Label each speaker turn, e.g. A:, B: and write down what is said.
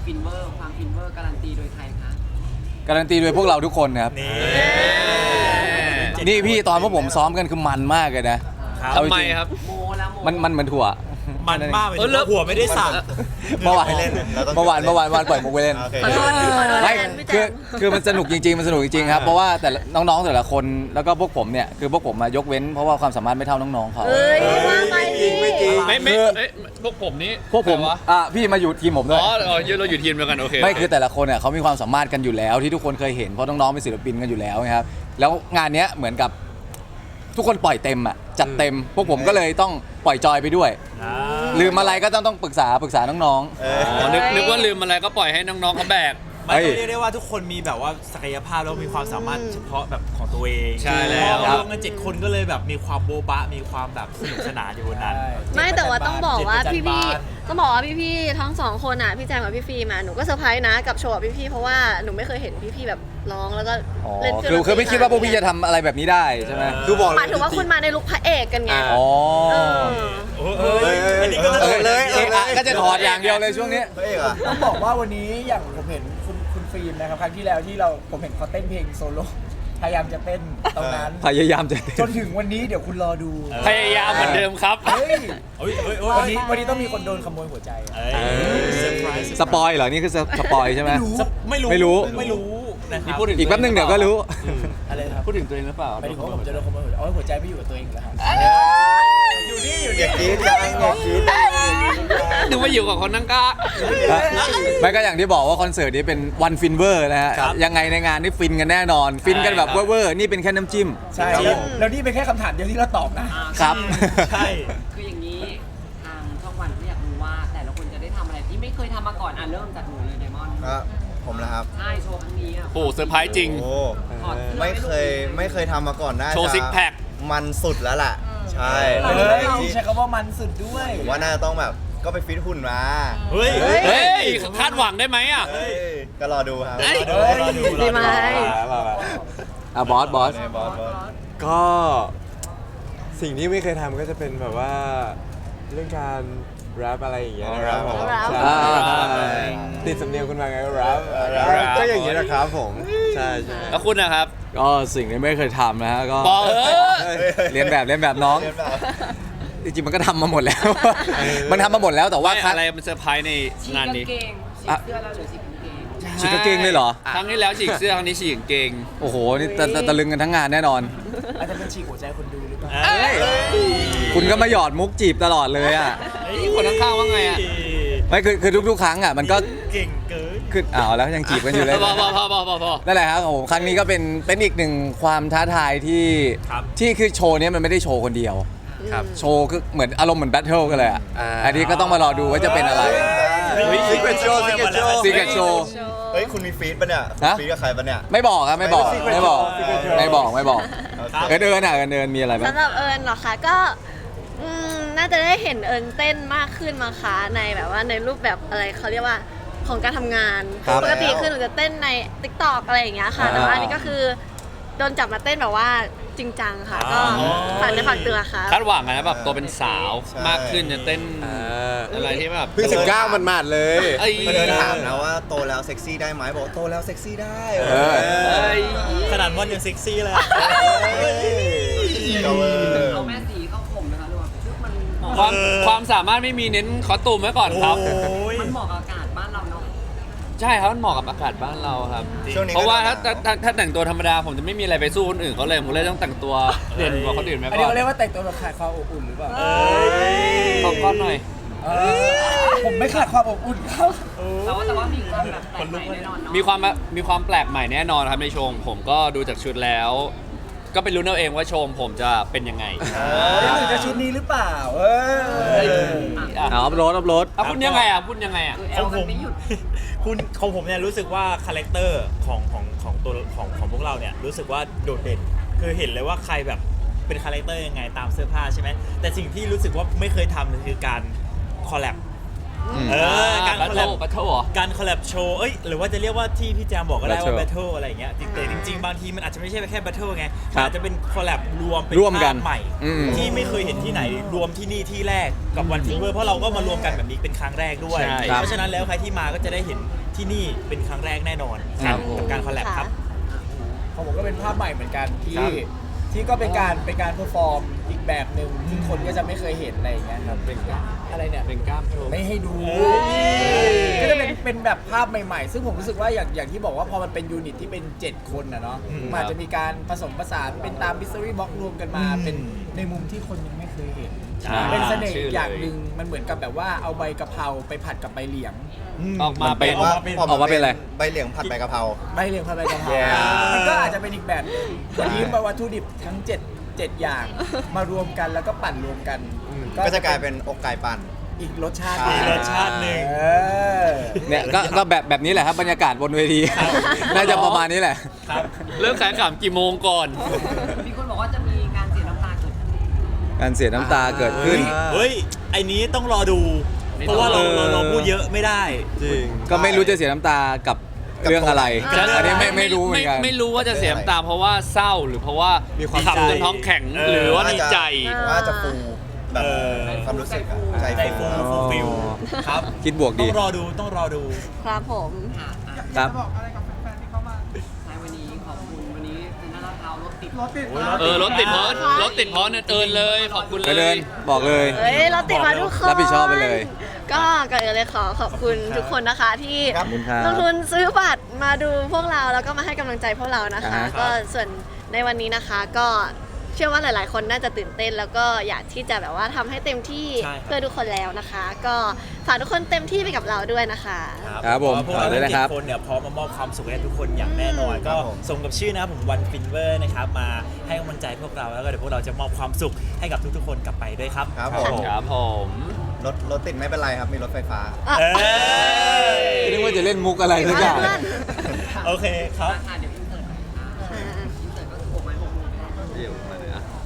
A: ฟินเวอร์ความฟินเวอร์การันตีโดยใครคะ
B: การันตีโดยพวกเราทุกคนนะครับนี่พี่ตอนพวกผมซ้อมกันคือมันมากเลยนะ
C: ทำไมครับ
A: โมแล้วโม
B: มันเหมือนถั่ว
D: มันมากเลยหัวไม่ได้สั่ง
B: เมื่อวานวันปล่อยมุกไปเล่นไม่คือมันสนุกจริงๆมันสนุกจริงๆครับเพราะว่าแต่น้องๆแต่ละคนแล้วก็พวกผมเนี่ยคือพวกผมมายกเว้นเพราะว่าความสามารถไม่เท่าน้องๆเขา
E: ว่าไป
C: ไม่พวกผมนี่
B: พวกผมพี่มาอยู่ทีมผมด้วย
C: อ๋อเราอยู่ทีมเดียวกันโอเค
B: ไม่คือแต่ละคนเนี่ยเขามีความสามารถกันอยู่แล้วที่ทุกคนเคยเห็นเพราะน้องๆเป็นศิลปินกันอยู่แล้วนะครับแล้วงานเนี้ยเหมือนกับทุกคนปล่อยเต็มอ่ะจัดเต็มพวกผมก็เลยต้องปล่อยจอยไปด้วยลืมอะไรก็ต้องปรึกษาน้อง
C: ๆนึกว่าลืมอะไรก็ปล่อยให้น้องๆเขาแบก
D: ไม่ต้องเรียกได้ว่าทุกคนมีแบบว่าศักยภาพแล้วมีความสามารถเฉพาะแบบของตัวเอง
C: ใช่แล้ว
D: รวมกัน7 คนก็เลยแบบมีความโบ๊ะบะมีความแบบสนุกสนานอยู่บนนั้น
E: ไม่แต่ว่าต้องบอกว่าพี่ต้องบอกว่าพี่ทั้ง2คนอ่ะพี่แจมกับพี่ฟีมาหนูก็เซอร์ไพรส์นะกับโชว์พี่เพราะว่าหนูไม่เคยเห็นพี่แบบร้องแล้วก็เล่น
B: คือไม่คิดว่าพวกพี่จะทำอะไรแบบนี้ได้ใช่ไหม
E: คือบอกหมายถึงว่าคุณมาในลุคพระเอกกันไง
B: อ๋อ
D: อันนี้ก็
B: เลยก็จะถอดอย่างเดียวเลยช่วงนี้
F: ต้องบอกว่าวันนี้อย่างผมเห็นคุณฟิล์มนะครับครั้งที่แล้วที่ผมเห็นเขาเต้นเพลงโซโล่พยายามจะเต้นตรงนั้น
B: พยายามจะ
F: จนถึงวันนี้เดี๋ยวคุณรอดู
C: พยายามเหมือนเดิมครับ
F: วันนี้ต้องมีคนโดนขโมยหัวใจ
B: สปอยเหรอนี่คือสปอยใช่ไหมไม่รู้
C: นี่พูดถึง
B: อีกแป๊บนึงเดี๋ยวก็รู้
F: อะไรครับ
C: พูดถึงตัวเองหรือเปล่า
F: ไม่ถึงว่าผมจะโดนขโมยหัวใจไม่อยู่กับตัวเองแล้วครับอยู่นี่
D: อย่าคิดจังอย่าคิด
C: นึกว่าอยู่กับคนนั่งก้า
B: ไม่ก็อย่างที่บอกว่าคอนเสิร์ตนี้เป็นวันฟินเวอร์นะฮะยังไงในงานนี่ฟินกันแน่นอนฟินกันแบบเวอร์นี่เป็นแค่น้ำจิ้ม
F: ใช่แล้วนี่เป็นแค่คำถามเดียวที่เราตอบ
B: นะครับ
D: ใช่
A: คืออย่างนี้ทางช่องวันก็อยากรู้ว่าแต่ละคนจะได้ทำอะไรที่ไม่เคยทำมาก่อนเริ่มจากหนูเลยไดมอนด์
D: ผมนะครับ
A: ใช่โชว์ครั้งนี้
C: โอ้เซอร์ไพรส์จริง
D: ไม่เคยทำมาก่อนนะ
C: โชว์ซิกแพค
D: มันสุดแล้วล่ะใช่
F: ใช้คำว่ามันสุดด้วย
D: ว่าน่าต้องแบบก็ไปฟิตหุ่นมา
C: เฮ้ยคาดหวังได้ไหมอ่ะ
D: ก็รอดูครับ
E: ดีไหม
B: บอส
G: ก็สิ่งที่ไม่เคยทำก็จะเป็นแบบว่าเรื่องการแรปอะไรอย่างเงี้ยนะครับผมติดสำเนียงคุณมาไงก็แรปก็อย่างเงี้ยนะครับผมใช่
C: แล้วคุณนะครับ
B: ก็สิ่งที่ไม่เคยทำนะฮะก็เรียนแบบน้องจริงๆมันก็ทำมาหมดแล้วมันทำมาหมดแล้วแต่ว่า
C: อะไรมันเซอร์ไพรส์ในงานนี้
A: ฉีกเสื้อเราหรือฉีกกางเกง
B: ฉีกกางเกงเลยเหรอ
C: ครั้งที่แล้วฉีกเสื้อครั้งนี้ฉีกกางเกง
B: โอ้โหนี่ตะลึงกันทั้งงานแน่นอน
F: อาจจะเป็นฉีกหัวใจคนดูหรือเปล่า
B: คุณก็มาหยอดมุกจีบตลอดเลยอ่ะ
C: คนข้างๆว่าไงอ่ะ
B: ไม่คือทุกๆครั้งอ่ะมันก็
D: เก่งเกิน
B: ขึ้นแล้วยังจีบกันอยู่เลย
C: พอ
B: นั่นแหละครับผมครั้งนี้ก็เป็นอีกหนึ่งความท้าทายที่คือโชว์นี้มันไม่ได้โชว์คนเดียวโชว์คือเหมือนอารมณ์เหมือนแบทเทิลกันเลยอ่ะอันนี้ก็ต้องมารอดูว่าจะเป็นอะไร
D: ซีเกตโชว์เฮ้ยคุณมีฟีดปะเนี่ยฟีดกับใครปะเนี่ย
B: ไม่บอกครับไม่บอกเอิญมีอะไรบ้าง
E: สำหรับเอิญเหรอคะก็น่าจะได้เห็นเอิญเต้นมากขึ้นมาคะในแบบว่าในรูปแบบอะไรเขาเรียกว่าของการทำงานปกติคือหนูจะเต้นใน TikTok อะไรอย่างเงี้ยค่ะแต่ว่าอันนี้ก็คือโดนจับมาเต้นแบบว่าจริงจังค่ะก็ฝากเตือนค่ะ
C: คาดหวังนะแบบตัวเป็นสาวมากขึ้นจะเต้นอะไรที่แบบ
G: เพิ่ง19มันมาดเลย
D: มาเดินถามนะว่าโตแล้วเซ็กซี่ได้ไหมบอกโตแล้วเซ็กซี่ได้ขนาดมอนยังเซ็กซี่เลย
A: เอาแม่สีเข้าข่มนะคะดูมัน
C: ความสามารถไม่มีเน้นคอสตูมไว้ก่อนครับ
A: มันเหมาะกับอากาศบ้านเราเนาะ
C: ใช่ครับมันเหมาะกับอากาศบ้านเราครับเพราะว่าถ้าแต่งตัวธรรมดาผมจะไม่มีอะไรไปสู้คนอื่นเขาเลยผมเลยต้องแต่งตัวเด่นกว่าคนอื่นไหมก่อน
F: อันนี้เขาเรียกว่าแต่งตัวแบบขาดความอบอุ่นหรือเปล่า
C: ขอก้อนหน่อย
F: ผมไม่ขาดความอบอุ่นเขา
A: แต่ว่ามีความแบบแปลกใหม่แน่นอนเนาะ
C: มีความแปลกใหม่แน่นอนครับในโชว์ผมก็ดูจากชุดแล้วก็ไปลุ้นเอาเองว่าโชว์ผมจะเป็นยังไง
F: จะชุดนี้หรือเปล่า
B: อัพโหลด
C: คุณยังไง
D: ของผมเนี่ยรู้สึกว่าคาแรคเตอร์ของตัวของพวกเราเนี่ยรู้สึกว่าโดดเด่นคือเห็นเลยว่าใครแบบเป็นคาแรคเตอร์ยังไงตามเสื้อผ้าใช่ไหมแต่สิ่งที่รู้สึกว่าไม่เคยทำคือการคอลแลบการคอลแลบ
C: บัตเทิลเหรอ
D: การคอลแลบโชว์หรือว่าจะเรียกว่าที่พี่แจมบอกก็ได้ว่า
B: Battle
D: แบทเทิลอะไรอย่างเงี้ยแต่จริงๆ บางทีมันอาจจะไม่ใช่แค่แบทเทิลไง
B: ครับ
D: อาจจะเป็นคอลแลบรวมเป็น
B: ร่วมกัน
D: ภาพใหม่
B: อืม
D: ที่ไม่เคยเห็นที่ไหนรวมที่นี่ที่แรกกับวันฟิเวอร์เพราะเราก็มารวมกันแบบนี้เป็นครั้งแรกด้วย
C: ใช่
D: เพราะฉะนั้นแล้วใครที่มาก็จะได้เห็นที่นี่เป็นครั้งแรกแน่นอน
B: ครับ
D: กับการคอลแลบครับ
F: ของผมก็เป็นภาพใหม่เหมือนกันที่
D: ครับ
F: ที่ก็เป็นการเพอร์ฟอร์มอีกแบบหนึ่งที่คนก็จะไม่เคยเห็นอะไรอย่างเงี้ยครับอะไรเนี่ย
C: เป็นกล้ามโชว์
F: ไม่ให้ดูก็จะเป็นแบบภาพใหม่ๆ ซึ่งผมรู้สึกว่าอย่างที่บอกว่าพอมันเป็นยูนิตที่เป็น 7 คนนะเนาะมันอาจจะมีการผสมผสานเป็นตามมิสซิรี่บ็อกรวมกันมาเป็นในมุมที่คนยังไม่เคยเห็น
C: ใช่
F: เป็นเสน่ห์
C: ชื่อเลย
F: อย่างหนึ่งมันเหมือนกับแบบว่าเอาใบกะเพราไปผัดกับใบเหลียง
C: ออกมาเป็น
D: ออกมาเป็น
B: ออกมาเป็นอะไร
H: ใบเหลียงผัดใบกะเพรา
F: ใบเหลียงผัดใบกะเพรา
H: Yeah
F: มันก็อาจจะเป็นอีกแบบหนึงวันนี้มาวัตถุดิบทั้ง7อย่างมารวมกันแล้วก็ปั่นรวมกัน
H: ก็จะกลายเป็นอกไก่ปั่น
F: อีกรสชาติ
H: อีกรส
D: ชาติหนึ่ง
F: เออ
B: เนี่ยก็แบบนี้แหละครับบรรยากาศบนเวที น่าจะประมาณนี้แหละ
D: ครับ
C: เริ่มขายขำกี่โมงก่อน
A: มีคนบอกว่าจะมีการเสียน้ำตาเกิดขึ้น
B: การเสียน้ำตาเกิดขึ้น
D: เฮ้ยไอ้นี้ต้องรอดู เพราะว่าเราพูดเยอะไม่ได้
G: จริง
B: ก็ไม่รู้จะเสียน้ำตากับเรื่องอะไร
D: กับ
B: อันนี้ไม่รู้เหมือนกัน
C: ไม่รู้ว่าจะเสียน้ำตาเพราะว่าเศร้าหรือเพราะว่า
G: มีความ
C: ขำจนท้องแข็งหรือว่าดีใจ
H: ว่าจะฟูแบบ
D: เออ
H: ความรู้สึกอะใจ
D: ใจ
H: ฟู
D: ฟูฟูฟิลครับ
B: คิดบวก
D: ต้
B: ดี
D: องรอดูต้องรอดู
E: ครับผม
A: ค่ะอ่ะ
B: ครับ
A: ใช่วันนี้ขอบคุณวันนี้เซ็นทรัลลาดพร้าวรถติด
D: โอ้ย
C: รถติดเพราะเนี่ยเอินเลยขอบคุณ
B: ไป
C: เล
B: เดิ
C: ย
B: นบอกเลย
E: เฮ้ยเราติดมาทุกคน
B: รับผิดชอบไปเลย
E: ก็ก่อนอื่นเลยขอบคุณทุกคนนะคะที่
B: ขอบคุณครับ
E: ลงทุนซื้อบัตรมาดูพวกเราแล้วก็มาให้กำลังใจพวกเรานะคะ
B: อ่าฮะ
E: ก็ส่วนในวันนี้นะคะก็เชื่อว่าหลาย ๆ คนน่าจะตื่นเต้น แล้วก็อยากที่จะแบบว่าทำให้เต็มที่
D: ใช่ครับ
E: เพื่อทุกคนแล้วนะคะ ก็ฝากทุกคนเต็มที่ไปกับเราด้วยนะคะ
B: ครับผม
D: พวกเรา
B: ฝากด้วย
D: ทั้ง
B: นะครับ
D: 7คนเนี่ยพร้อมมามอบความสุขให้ทุกคนอย่างแน่นอน ก็สมกับชื่อนะครับผมวันฟินเวอร์นะครับมาให้กำลังใจพวกเราแล้วก็เดี๋ยวพวกเราจะมอบความสุขให้กับทุกๆคนกลับไปด้วยครับ
H: ครับผม
C: ครับผม
H: รถติดไม่เป็นไรครับ มีรถไฟฟ้า
D: เอ้ย
B: นึกว่าจะเล่นมุกอะไรสักอย่าง
E: เพื่อน
D: โอเคครับ
A: ค่ะเดี๋ยวอินเสิร์ตหน่อยค่ะอินเสิร์ตก็คือโบกไม้โบกมือไปได้